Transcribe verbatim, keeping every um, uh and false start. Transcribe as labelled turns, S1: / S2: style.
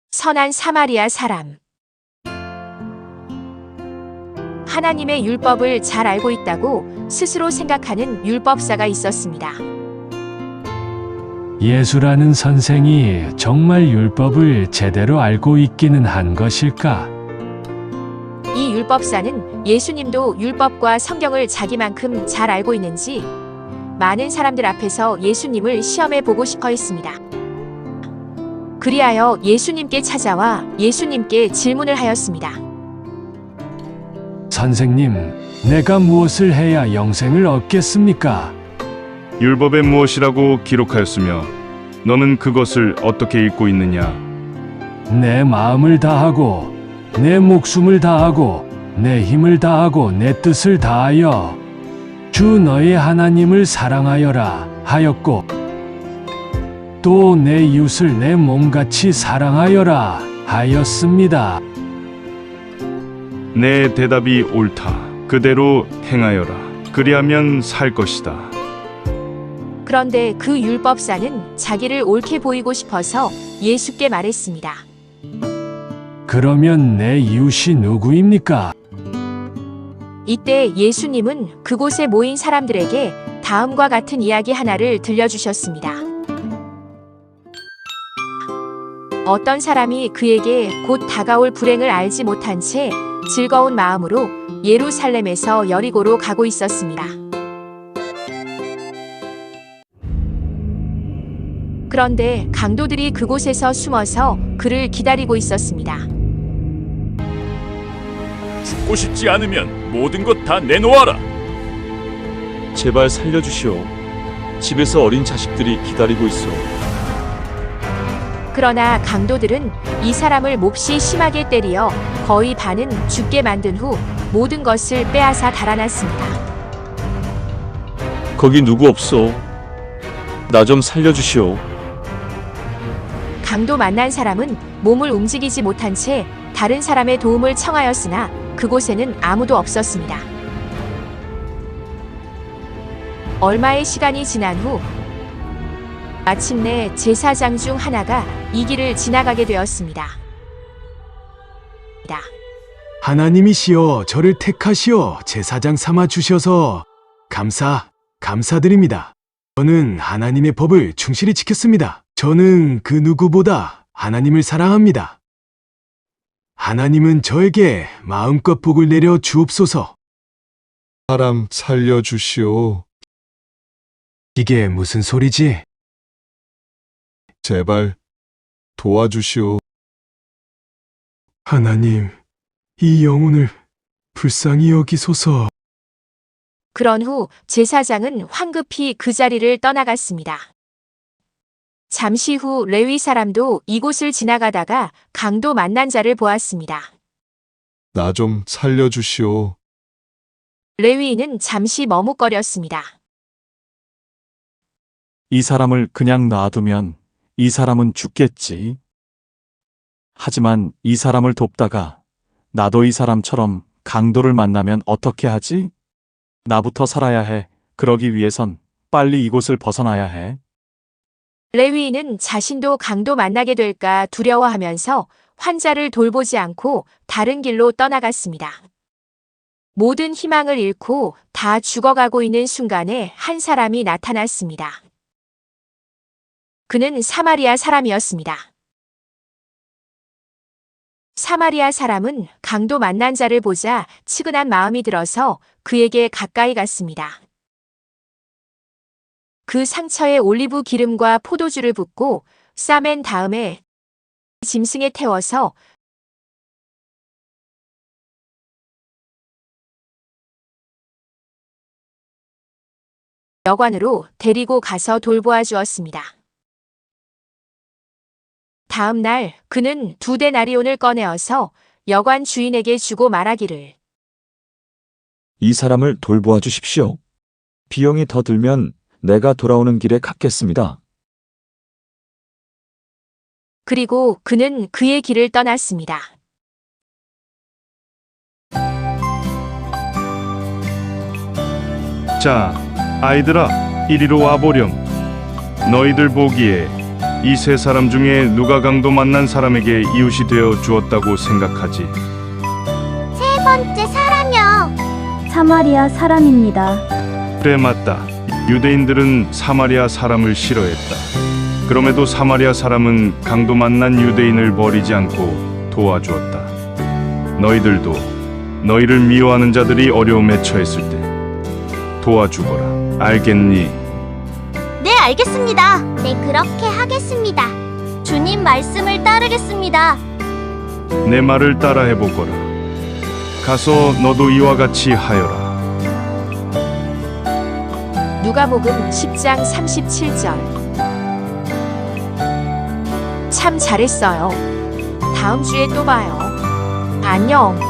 S1: 선한 사마리아 사람. 하나님의 율법을 잘 알고 있다고 스스로 생각하는 율법사가 있었습니다.
S2: 예수라는 선생이 정말 율법을 제대로 알고 있기는 한 것일까?
S1: 이 율법사는 예수님도 율법과 성경을 자기만큼 잘 알고 있는지 많은 사람들 앞에서 예수님을 시험해 보고 싶어 했습니다. 그리하여 예수님께 찾아와 예수님께 질문을 하였습니다.
S2: 선생님, 내가 무엇을 해야 영생을 얻겠습니까?
S3: 율법에 무엇이라고 기록하였으며 너는 그것을 어떻게 읽고 있느냐?
S2: 내 마음을 다하고 내 목숨을 다하고 내 힘을 다하고 내 뜻을 다하여 주 너의 하나님을 사랑하여라 하였고 또 내 이웃을 내 몸같이 사랑하여라 하였습니다.
S3: 내 대답이 옳다. 그대로 행하여라. 그리하면 살 것이다.
S1: 그런데 그 율법사는 자기를 옳게 보이고 싶어서 예수께 말했습니다.
S2: 그러면 내 이웃이 누구입니까?
S1: 이때 예수님은 그곳에 모인 사람들에게 다음과 같은 이야기 하나를 들려주셨습니다. 어떤 사람이 그에게 곧 다가올 불행을 알지 못한 채 즐거운 마음으로 예루살렘에서 여리고로 가고 있었습니다. 그런데 강도들이 그곳에서 숨어서 그를 기다리고 있었습니다.
S4: 죽고 싶지 않으면 모든 것 다 내놓아라.
S5: 제발 살려주시오. 집에서 어린 자식들이 기다리고 있어.
S1: 그러나 강도들은 이 사람을 몹시 심하게 때리어 거의 반은 죽게 만든 후 모든 것을 빼앗아 달아났습니다.
S5: 거기 누구 없어. 나 좀 살려주시오.
S1: 강도 만난 사람은 몸을 움직이지 못한 채 다른 사람의 도움을 청하였으나 그곳에는 아무도 없었습니다. 얼마의 시간이 지난 후 마침내 제사장 중 하나가 이 길을 지나가게 되었습니다.
S6: 하나님이시여 저를 택하시어 제사장 삼아 주셔서 감사, 감사드립니다. 저는 하나님의 법을 충실히 지켰습니다. 저는 그 누구보다 하나님을 사랑합니다. 하나님은 저에게 마음껏 복을 내려 주옵소서.
S7: 사람 살려주시오.
S6: 이게 무슨 소리지?
S7: 제발 도와주시오.
S6: 하나님, 이 영혼을 불쌍히 여기소서.
S1: 그런 후 제사장은 황급히 그 자리를 떠나갔습니다. 잠시 후 레위 사람도 이곳을 지나가다가 강도 만난 자를 보았습니다.
S7: 나 좀 살려주시오.
S1: 레위인은 잠시 머뭇거렸습니다.
S4: 이 사람을 그냥 놔두면 이 사람은 죽겠지. 하지만 이 사람을 돕다가 나도 이 사람처럼 강도를 만나면 어떻게 하지? 나부터 살아야 해. 그러기 위해선 빨리 이곳을 벗어나야 해.
S1: 레위인은 자신도 강도 만나게 될까 두려워하면서 환자를 돌보지 않고 다른 길로 떠나갔습니다. 모든 희망을 잃고 다 죽어가고 있는 순간에 한 사람이 나타났습니다. 그는 사마리아 사람이었습니다. 사마리아 사람은 강도 만난 자를 보자 치근한 마음이 들어서 그에게 가까이 갔습니다. 그 상처에 올리브 기름과 포도주를 붓고 싸맨 다음에 짐승에 태워서 여관으로 데리고 가서 돌보아 주었습니다. 다음 날 그는 두 데나리온을 꺼내어서 여관 주인에게 주고 말하기를
S5: 이 사람을 돌보아 주십시오. 비용이 더 들면 내가 돌아오는 길에 갚겠습니다.
S1: 그리고 그는 그의 길을 떠났습니다.
S3: 자, 아이들아, 이리로 와보렴. 너희들 보기에 이 세 사람 중에 누가 강도 만난 사람에게 이웃이 되어 주었다고 생각하지?
S8: 세 번째 사람이요.
S9: 사마리아 사람입니다.
S3: 그래, 맞다. 유대인들은 사마리아 사람을 싫어했다. 그럼에도 사마리아 사람은 강도 만난 유대인을 버리지 않고 도와주었다. 너희들도 너희를 미워하는 자들이 어려움에 처했을 때 도와주거라. 알겠니?
S8: 네, 알겠습니다. 네, 그렇게 하겠습니다. 주님 말씀을 따르겠습니다.
S3: 내 말을 따라해 보거라. 가서 너도 이와 같이 하여라.
S1: 누가복음 십 장 삼십칠 절. 참 잘했어요. 다음 주에 또 봐요. 안녕.